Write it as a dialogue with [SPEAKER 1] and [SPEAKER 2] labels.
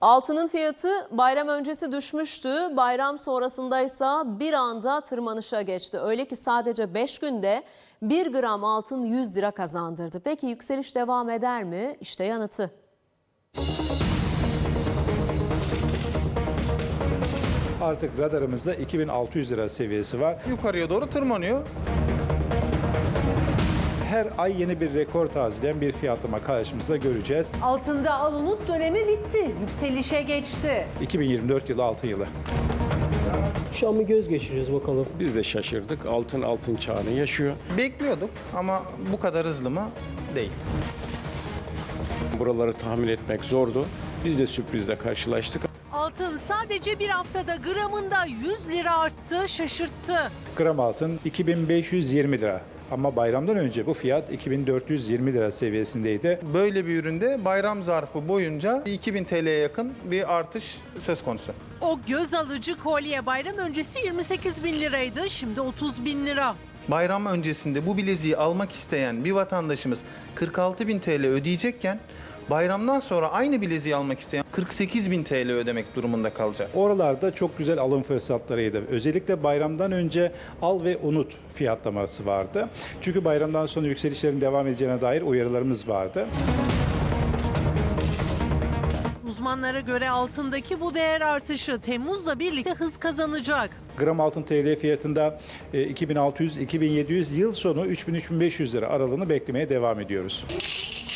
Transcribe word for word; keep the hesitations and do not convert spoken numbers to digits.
[SPEAKER 1] Altının fiyatı bayram öncesi düşmüştü. Bayram sonrasındaysa bir anda tırmanışa geçti. Öyle ki sadece beş günde bir gram altın yüz lira kazandırdı. Peki yükseliş devam eder mi? İşte yanıtı.
[SPEAKER 2] Artık radarımızda iki bin altı yüz lira seviyesi var.
[SPEAKER 3] Yukarıya doğru tırmanıyor.
[SPEAKER 2] Her ay yeni bir rekor tazeleyen bir fiyatlama karşımızda göreceğiz.
[SPEAKER 4] Altında al unut dönemi bitti. Yükselişe geçti.
[SPEAKER 2] iki bin yirmi dört yılı altın yılı.
[SPEAKER 5] Şu an bir göz geçiriyoruz bakalım.
[SPEAKER 6] Biz de şaşırdık. Altın altın çağını yaşıyor.
[SPEAKER 3] Bekliyorduk ama bu kadar hızlı mı? Değil.
[SPEAKER 6] Buraları tahmin etmek zordu. Biz de sürprizle karşılaştık.
[SPEAKER 4] Altın sadece bir haftada gramında yüz lira arttı, şaşırttı.
[SPEAKER 2] Gram altın iki bin beş yüz yirmi lira. Ama bayramdan önce bu fiyat iki bin dört yüz yirmi lira seviyesindeydi.
[SPEAKER 3] Böyle bir üründe bayram zarfı boyunca iki bin T L'ye yakın bir artış söz konusu.
[SPEAKER 4] O göz alıcı kolye bayram öncesi yirmi sekiz bin liraydı, şimdi otuz bin lira.
[SPEAKER 3] Bayram öncesinde bu bileziği almak isteyen bir vatandaşımız kırk altı bin T L ödeyecekken bayramdan sonra aynı bileziği almak isteyen kırk sekiz bin T L ödemek durumunda kalacak.
[SPEAKER 2] Oralarda çok güzel alım fırsatlarıydı. Özellikle bayramdan önce al ve unut fiyatlaması vardı. Çünkü bayramdan sonra yükselişlerin devam edeceğine dair uyarılarımız vardı.
[SPEAKER 4] Uzmanlara göre altındaki bu değer artışı Temmuz'la birlikte hız kazanacak.
[SPEAKER 2] Gram altın T L fiyatında iki bin altı yüz iki bin yedi yüz, yıl sonu üç bin üç bin beş yüz lira aralığını beklemeye devam ediyoruz.